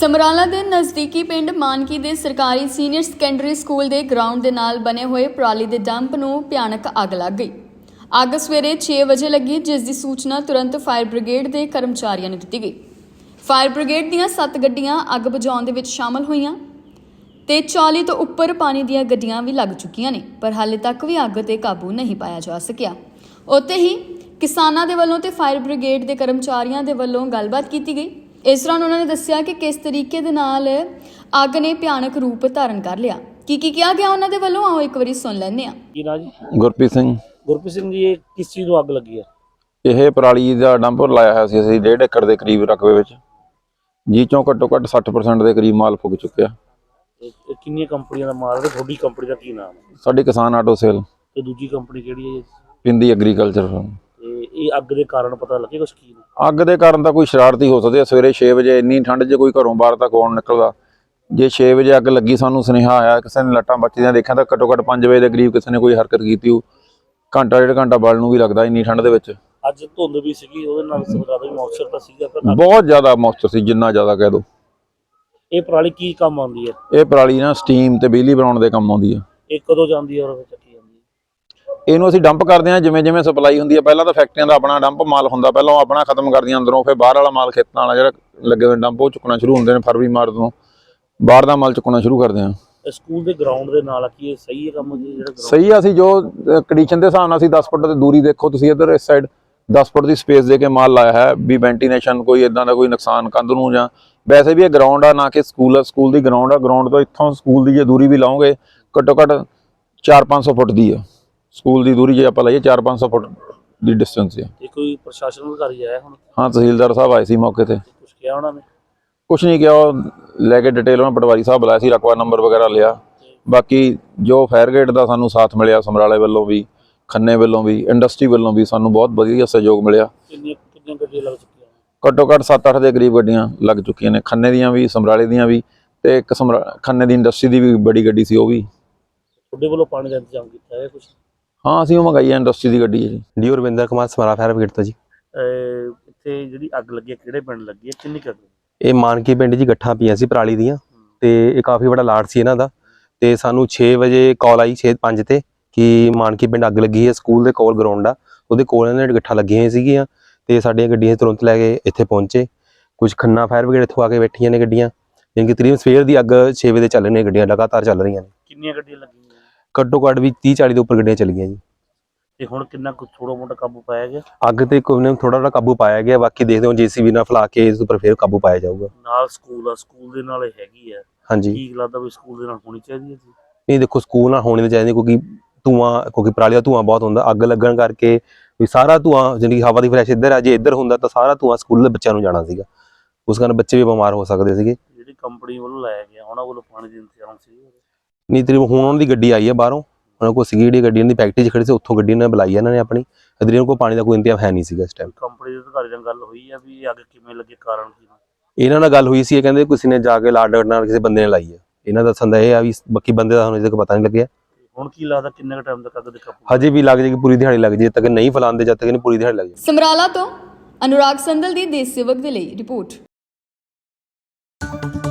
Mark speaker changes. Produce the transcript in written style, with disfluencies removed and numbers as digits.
Speaker 1: ਸਮਰਾਲਾ ਦੇ ਨਜ਼ਦੀਕੀ ਪਿੰਡ ਮਾਨਕੀ ਦੇ ਸਰਕਾਰੀ ਸੀਨੀਅਰ ਸੈਕੰਡਰੀ ਸਕੂਲ ਦੇ ਗਰਾਊਂਡ ਦੇ ਨਾਲ ਬਣੇ ਹੋਏ ਪਰਾਲੀ ਦੇ ਡੰਪ ਨੂੰ ਭਿਆਨਕ ਅੱਗ ਲੱਗ ਗਈ। ਅੱਗ ਸਵੇਰੇ 6 ਵਜੇ ਲੱਗੀ, ਜਿਸ ਦੀ ਸੂਚਨਾ ਤੁਰੰਤ ਫਾਇਰ ਬ੍ਰਿਗੇਡ ਦੇ ਕਰਮਚਾਰੀਆਂ ਨੂੰ ਦਿੱਤੀ ਗਈ। ਫਾਇਰ ਬ੍ਰਿਗੇਡ ਦੀਆਂ 7 ਗੱਡੀਆਂ ਅੱਗ ਬੁਝਾਉਣ ਦੇ ਵਿੱਚ ਸ਼ਾਮਲ ਹੋਈਆਂ ਤੇ 40 ਤੋਂ ਉੱਪਰ ਪਾਣੀ ਦੀਆਂ ਗੱਡੀਆਂ ਵੀ ਲੱਗ ਚੁੱਕੀਆਂ ਨੇ, ਪਰ ਹਾਲੇ ਤੱਕ ਵੀ ਅੱਗ ਤੇ ਕਾਬੂ ਨਹੀਂ ਪਾਇਆ ਜਾ ਸਕਿਆ। ਉੱਥੇ ਹੀ ਕਿਸਾਨਾਂ ਦੇ ਵੱਲੋਂ ਤੇ ਫਾਇਰ ਬ੍ਰਿਗੇਡ ਦੇ ਕਰਮਚਾਰੀਆਂ ਦੇ ਵੱਲੋਂ ਗੱਲਬਾਤ ਕੀਤੀ ਗਈ। ਇਸ ਦੌਰਾਨ ਉਹਨਾਂ ਨੇ ਦੱਸਿਆ ਕਿ ਕਿਸ ਤਰੀਕੇ ਦੇ ਨਾਲ ਅੱਗ ਨੇ ਭਿਆਨਕ ਰੂਪ ਧਾਰਨ ਕਰ ਲਿਆ। ਕੀ ਕਿਹਾ ਗਿਆ ਉਹਨਾਂ ਦੇ ਵੱਲੋਂ, ਆਓ ਇੱਕ ਵਾਰੀ ਸੁਣ ਲੈਂਦੇ ਹਾਂ।
Speaker 2: ਕੀ ਨਾਂ ਜੀ?
Speaker 3: ਗੁਰਪ੍ਰੀਤ ਸਿੰਘ।
Speaker 2: ਗੁਰਪ੍ਰੀਤ ਸਿੰਘ ਜੀ, ਇਹ ਕਿਸ ਚੀਜ਼ ਨੂੰ ਅੱਗ ਲੱਗੀ ਹੈ?
Speaker 3: ਇਹ ਪਰਾਲੀ ਦਾ ਡੰਪ ਲਾਇਆ ਹੋਇਆ ਸੀ ਅਸੀਂ 1.5 ਏਕੜ ਦੇ ਕਰੀਬ ਰਕਬੇ ਵਿੱਚ, ਜੀ ਚੋਂ ਘੱਟੋ ਘੱਟ 60% ਦੇ ਕਰੀਬ ਮਾਲ ਫੁੱਕ ਚੁੱਕਿਆ।
Speaker 2: ਇਹ ਕਿੰਨੀਆਂ ਕੰਪਨੀਆਂ ਦਾ ਮਾਲ ਹੈ? ਤੁਹਾਡੀ ਕੰਪਨੀ ਦਾ ਕੀ ਨਾਮ ਹੈ?
Speaker 3: ਸਾਡੀ ਕਿਸਾਨ ਆਟੋ ਸੇਲ।
Speaker 2: ਤੇ ਦੂਜੀ ਕੰਪਨੀ ਕਿਹੜੀ ਹੈ ਜੀ?
Speaker 3: ਪਿੰਦੀ ਐਗਰੀਕਲਚਰ।
Speaker 2: ਤੇ ਇਹ ਅੱਗ ਦੇ ਕਾਰਨ ਪਤਾ ਲੱਗੇ ਕੁਛ ਕੀ ਨੇ?
Speaker 3: ਅੱਗ ਦੇ ਕਾਰਨ ਤਾਂ ਕੋਈ ਸ਼ਰਾਰਤੀ ਹੋ ਸਕਦੇ ਆ। ਸਵੇਰੇ 6 ਵਜੇ ਇੰਨੀ ਠੰਡ 'ਚ ਕੋਈ ਘਰੋਂ ਬਾਹਰ ਤੱਕ ਆਉਣ ਨਿਕਲਦਾ। ਜੇ 6 ਵਜੇ ਅੱਗ ਲੱਗੀ, ਸਾਨੂੰ ਸੁਨੇਹਾ ਆਇਆ, ਕਿਸੇ ਨੇ ਲੱਟਾਂ ਬੱਚੀਆਂ ਦੇਖਿਆ ਤਾਂ ਘੱਟੋ ਘੱਟ 5 ਵਜੇ ਦੇ ਕਰੀਬ ਕਿਸੇ ਨੇ ਕੋਈ ਹਰਕਤ ਕੀਤੀ ਹੋ। ਘੰਟਾ 1.5 ਘੰਟਾ ਬਲਣ ਨੂੰ ਵੀ ਲੱਗਦਾ ਇੰਨੀ ਠੰਡ ਦੇ ਵਿੱਚ।
Speaker 2: ਅੱਜ ਧੁੰਦ ਵੀ ਸੀਗੀ, ਉਹਦੇ ਨਾਲ ਜ਼ਿਆਦਾ ਵੀ ਮੌਇਸਚਰ ਤਾਂ ਸੀਗਾ, ਪਰ
Speaker 3: ਬਹੁਤ ਜ਼ਿਆਦਾ ਮੌਇਸਚਰ ਸੀ, ਜਿੰਨਾ ਜ਼ਿਆਦਾ ਕਹਿ ਦੋ।
Speaker 2: ਇਹ ਪਰਾਲੀ ਕੀ ਕੰਮ ਆਉਂਦੀ ਹੈ?
Speaker 3: ਇਹ ਪਰਾਲੀ ਨਾ ਸਟੀਮ ਤੇ ਬਿਜਲੀ ਬਣਾਉਣ ਦੇ ਕੰਮ ਆਉਂਦੀ ਆ।
Speaker 2: ਇਹ ਕਦੋਂ ਜਾਂਦੀ ਹੈ ਔਰ ਚੱਕੀ ਜਾਂਦੀ ਹੈ?
Speaker 3: ਇਹਨੂੰ ਅਸੀਂ ਡੰਪ ਕਰਦੇ ਹਾਂ ਜਿਵੇਂ ਜਿਵੇਂ ਸਪਲਾਈ ਹੁੰਦੀ ਹੈ। ਪਹਿਲਾਂ ਤਾਂ ਫੈਕਟਰੀਆਂ ਦਾ ਆਪਣਾ ਡੰਪ ਮਾਲ ਹੁੰਦਾ, ਪਹਿਲਾਂ ਉਹ ਆਪਣਾ ਖਤਮ ਕਰਦੀਆਂ ਅੰਦਰੋਂ, ਫਿਰ ਬਾਹਰ ਵਾਲਾ ਮਾਲ ਖੇਤਾਂ ਵਾਲਾ ਜਿਹੜਾ ਲੱਗੇ ਹੋਏ ਡੰਪ ਉਹ ਚੁੱਕਣਾ ਸ਼ੁਰੂ ਹੁੰਦੇ ਨੇ। ਫਰਵਰੀ ਮਾਰਚ ਤੋਂ ਬਾਹਰ ਦਾ ਮਾਲ ਚੁੱਕਣਾ ਸ਼ੁਰੂ ਕਰਦੇ ਹਾਂ।
Speaker 2: ਸਕੂਲ ਦੇ ਗਰਾਊਂਡ ਦੇ ਨਾਲ ਕੀ ਇਹ ਸਹੀ ਹੈ ਕੰਮ ਜੀ? ਜਿਹੜਾ
Speaker 3: ਸਹੀ ਆ। ਅਸੀਂ ਜੋ ਕੰਡੀਸ਼ਨ ਦੇ ਹਿਸਾਬ ਨਾਲ ਅਸੀਂ 10 ਫੁੱਟ ਦੀ ਦੂਰੀ, ਦੇਖੋ ਤੁਸੀਂ ਇੱਧਰ ਇਸ ਸਾਈਡ 10 ਫੁੱਟ ਦੀ ਸਪੇਸ ਦੇ ਕੇ ਮਾਲ ਲਾਇਆ ਹੈ ਵੀ ਵੈਂਟੀਲੇਸ਼ਨ ਕੋਈ ਇਦਾਂ ਦਾ ਕੋਈ ਨੁਕਸਾਨ ਕੰਧ ਨੂੰ, ਜਾਂ ਵੈਸੇ ਵੀ ਇਹ ਗਰਾਊਂਡ ਆ ਨਾ ਕਿ ਸਕੂਲ ਆ। ਸਕੂਲ ਦੀ ਗਰਾਊਂਡ ਆ। ਗਰਾਊਂਡ ਤੋਂ ਇੱਥੋਂ ਸਕੂਲ ਦੀ ਜੇ ਦੂਰੀ ਵੀ ਲਾਓਗੇ ਘੱਟੋ ਘੱਟ 400-500 ਫੁੱਟ ਦੀ ਆ ਸਕੂਲ ਦੀ ਦੂਰੀ। ਜੇ ਆਪਾਂ ਲਾਈਏ 400-500 ਫੁੱਟ ਦੀ ਡਿਸਟੈਂਸ ਹੈ।
Speaker 2: ਤੇ ਕੋਈ ਪ੍ਰਸ਼ਾਸਨ ਅਧਿਕਾਰੀ ਆਇਆ ਹੁਣ?
Speaker 3: ਹਾਂ, ਤਹਿਸੀਲਦਾਰ ਸਾਹਿਬ ਆਏ ਸੀ ਮੌਕੇ ਤੇ।
Speaker 2: ਕੁਛ ਕਿਹਾ ਉਹਨਾਂ ਨੇ?
Speaker 3: ਕੁਛ ਨਹੀਂ ਕਿਹਾ, ਉਹ ਲੈ ਕੇ ਡਿਟੇਲ ਉਹਨਾਂ ਪਟਵਾਰੀ ਸਾਹਿਬ ਬੁਲਾਇਆ ਸੀ, ਰਕਬਾ ਨੰਬਰ ਵਗੈਰਾ ਲਿਆ। ਬਾਕੀ ਜੋ ਫਾਇਰ ਗੇਟ ਦਾ ਸਾਨੂੰ ਸਾਥ ਮਿਲਿਆ, ਸਮਰਾਲੇ ਵੱਲੋਂ ਵੀ, ਖੰਨੇ ਵੱਲੋਂ ਵੀ, ਇੰਡਸਟਰੀ ਵੱਲੋਂ ਵੀ ਸਾਨੂੰ ਬਹੁਤ ਵਧੀਆ ਸਹਿਯੋਗ ਮਿਲਿਆ।
Speaker 2: ਕਿੰਨੀਆਂ ਗੱਡੀਆਂ ਲੱਗ ਚੁੱਕੀਆਂ?
Speaker 3: ਘੱਟੋ ਘੱਟ 7-8 ਦੇ ਕਰੀਬ ਗੱਡੀਆਂ ਲੱਗ ਚੁੱਕੀਆਂ ਨੇ, ਖੰਨੇ ਦੀਆਂ ਵੀ, ਸਮਰਾਲੇ ਦੀਆਂ ਵੀ, ਤੇ ਇੱਕ ਖੰਨੇ ਦੀ ਇੰਡਸਟਰੀ ਦੀ ਵੀ ਬੜੀ ਗੱਡੀ ਸੀ, ਉਹ ਵੀ।
Speaker 2: ਤੁਹਾਡੇ ਵੱਲੋਂ ਪਾਣੀ ਦਾ ਇੰਤਜ਼ਾਮ ਕੀਤਾ ਹੈ ਕੁਛ?
Speaker 3: ਹਾਂ, ਅਸੀਂ ਉਹ ਮੰਗਾਈ ਹੈ, ਇੰਡਸਟਰੀ ਦੀ ਗੱਡੀ ਹੈ ਜੀ।
Speaker 4: D Ravinder Kumar, Samrala fire brigade ਤੋਂ ਜੀ।
Speaker 2: ਇੱਥੇ ਜਿਹੜੀ ਅੱਗ ਲੱਗੀ ਹੈ ਕਿਹੜੇ ਪਿੰਡ ਲੱਗੀ ਹੈ, ਕਿੰਨੀ ਕੁ ਅੱਗ?
Speaker 4: ਇਹ ਮਾਨਕੀ ਪਿੰਡ ਜੀ, ਗੱਠਾਂ ਪਈਆਂ ਸੀ ਪਰਾਲੀ ਦੀਆਂ, ਤੇ ਇਹ ਕਾਫੀ ਵੱਡਾ ਲਾਟ ਸੀ ਇਹਨਾਂ ਦਾ। ਤੇ ਸਾਨੂੰ 6 ਵਜੇ ਕਾਲ ਆਈ, 6:05 ਤੇ, ਕਿ ਮਾਨਕੀ ਪਿੰਡ ਅੱਗ ਲੱਗੀ ਹੈ। ਸਕੂਲ ਦੇ ਕੋਲ ਗਰਾਊਂਡ ਆ, ਉਹਦੇ ਕੋਲ ਇਹਨਾਂ ਨੇ ਗੱਠਾਂ ਲੱਗੀਆਂ ਹੋਈਆਂ ਸੀਗੀਆਂ, ਤੇ ਸਾਡੀਆਂ ਗੱਡੀਆਂ ਤੁਰੰਤ ਲੈ ਕੇ ਇੱਥੇ ਪਹੁੰਚੇ। ਕੁਝ ਖੰਨਾ ਫਾਇਰ ਬ੍ਰਿਗੇਡ ਇੱਥੋਂ ਆ ਕੇ ਬੈਠੀਆਂ ਨੇ ਗੱਡੀਆਂ, ਜਿਵੇਂ ਕਿ ਤਕਰੀਬਨ ਸਵੇਰ ਦੀ ਅੱਗ 6 ਵਜੇ ਚੱਲ ਰਹੀਆਂ ਗੱਡੀਆਂ, ਲਗਾਤਾਰ ਚੱਲ ਰਹੀਆਂ ਨੇ।
Speaker 2: ਕਿੰਨੀਆਂ ਗੱਡੀਆਂ ਲੱਗੀਆਂ?
Speaker 4: ਘੱਟੋ ਘੱਟ ਵੀ 30-40 ਦੇ ਉੱਪਰ ਗੱਡੀਆਂ ਚੱਲੀਆਂ ਜੀ।
Speaker 2: ਤੇ ਹੁਣ ਕਿੰਨਾ ਕੁ ਥੋੜਾ ਮੋਟਾ ਕਾਬੂ ਪਾਇਆ ਗਿਆ?
Speaker 4: ਅੱਗ ਤੇ ਕੋਈ ਨੇ ਥੋੜਾ ਕਾਬੂ ਪਾਇਆ ਗਿਆ, ਬਾਕੀ ਦੇਖਦੇ ਹਾਂ JCB ਨਾਲ ਫਲਾ ਕੇ ਇਸ ਉੱਪਰ ਫਿਰ ਕਾਬੂ ਪਾਇਆ ਜਾਊਗਾ।
Speaker 2: ਨਾਲ ਸਕੂਲ ਆ, ਸਕੂਲ ਦੇ ਨਾਲ ਇਹ ਹੈਗੀ ਆ।
Speaker 4: ਹਾਂਜੀ,
Speaker 2: ਕੀ ਲੱਗਦਾ ਵੀ ਸਕੂਲ ਦੇ ਨਾਲ ਹੋਣੀ ਚਾਹੀਦੀ ਹੈ ਜੀ?
Speaker 4: ਨਹੀਂ ਦੇਖੋ, ਸਕੂਲ ਨਾਲ ਹੋਣੀ ਤਾਂ ਚਾਹੀਦੀ, ਕਿਉਂਕਿ ਪਰਾਲੀ ਦਾ ਧੂੰਆਂ ਬਹੁਤ ਹੁੰਦਾ। ਅੱਗ ਲੱਗਣ ਕਰਕੇ ਵੀ ਸਾਰਾ ਧੂੰਆਂ, ਜਿਹੜੀ ਹਵਾ ਦੀ ਫਰੈਸ਼ ਇੱਧਰ ਆ, ਜੇ ਇੱਧਰ ਹੁੰਦਾ ਤਾਂ ਸਾਰਾ ਧੂੰਆਂ ਸਕੂਲ ਦੇ ਬੱਚਿਆਂ ਨੂੰ ਜਾਣਾ ਸੀਗਾ। ਉਸ ਕਾਰਨ ਬੱਚੇ ਵੀ ਬਿਮਾਰ ਹੋ ਸਕਦੇ ਸੀਗੇ।
Speaker 2: ਜਿਹੜੀ ਕੰਪਨੀ ਵੱਲੋਂ ਲਾਇਆ ਗਿਆ, ਉਹਨਾਂ ਵੱਲੋਂ ਪਾਣੀ ਦੀ ਇੰਤਜ਼ਾਮ ਸੀ?
Speaker 4: ਨਹੀਂ, ਤਕਰੀਬਨ ਹੁਣ ਉਹਨਾਂ ਦੀ ਗੱਡੀ ਆਈ ਹੈ ਬਾਹਰੋਂ, ਉਹਨਾਂ ਕੋਲ ਸੀਗੀ ਜਿਹੜੀ ਗੱਡੀ, ਇਹਨਾਂ ਦੀ ਫੈਕਟਰੀ 'ਚ ਖੜੀ ਸੀ, ਉੱਥੋਂ ਗੱਡੀ ਇਹਨਾਂ ਨੇ ਬੁਲਾਈ ਹੈ ਇਹਨਾਂ ਨੇ ਆਪਣੀ। ਇਹਨਾਂ ਕੋਲ ਪਾਣੀ ਦਾ ਕੋਈ ਇੰਤਜ਼ਾਮ ਹੈ ਨਹੀਂ ਸੀਗਾ ਇਸ ਟਾਈਮ।
Speaker 2: ਕੰਪਨੀ ਦੇ ਅਧਿਕਾਰੀ ਨਾਲ ਗੱਲ ਹੋਈ ਹੈ ਵੀ ਅੱਗ ਕਿਵੇਂ ਲੱਗੀ, ਕਾਰਨ ਕੀ?
Speaker 4: ਇਹਨਾਂ ਨਾਲ ਗੱਲ ਹੋਈ ਸੀ, ਇਹ ਕਹਿੰਦੇ ਕਿਸੇ ਨੇ ਜਾ ਕੇ ਲਾਡ ਨਾਲ ਕਿਸੇ ਬੰਦੇ ਨੇ ਲਾਈ ਹੈ। ਇਹਨਾਂ ਦਾ ਸੰਦਾ ਇਹ ਆ ਵੀ ਬਾਕੀ ਬੰਦੇ ਦਾ ਹੁਣ ਅਜੇ ਤੱਕ ਪਤਾ ਨਹੀਂ ਲੱਗਿਆ।
Speaker 2: ਹੁਣ ਕੀ ਲੱਗਦਾ ਕਿੰਨੇ ਟਾਈਮ ਤੱਕ ਅੱਗ ਦੇ ਕਾਬੂ?
Speaker 4: ਹਜੇ ਵੀ ਲੱਗ ਜਾਏਗੀ, ਪੂਰੀ ਦਿਹਾੜੀ ਲੱਗ ਜਾਏ, ਜਦ ਤੱਕ ਨਹੀਂ ਫੈਲਾਉਂਦੇ, ਜਦ ਤੱਕ ਨਹੀਂ ਪੂਰੀ ਦਿਹਾੜੀ ਲੱਗ ਜਾਏ।
Speaker 1: ਸਮਰਾਲਾ ਤੋਂ ਅਨੁਰਾਗ ਸੰਦਲ ਦੀ ਦੇਸ਼ ਸੇਵਕ ਦੇ ਲਈ ਰਿਪੋਰਟ।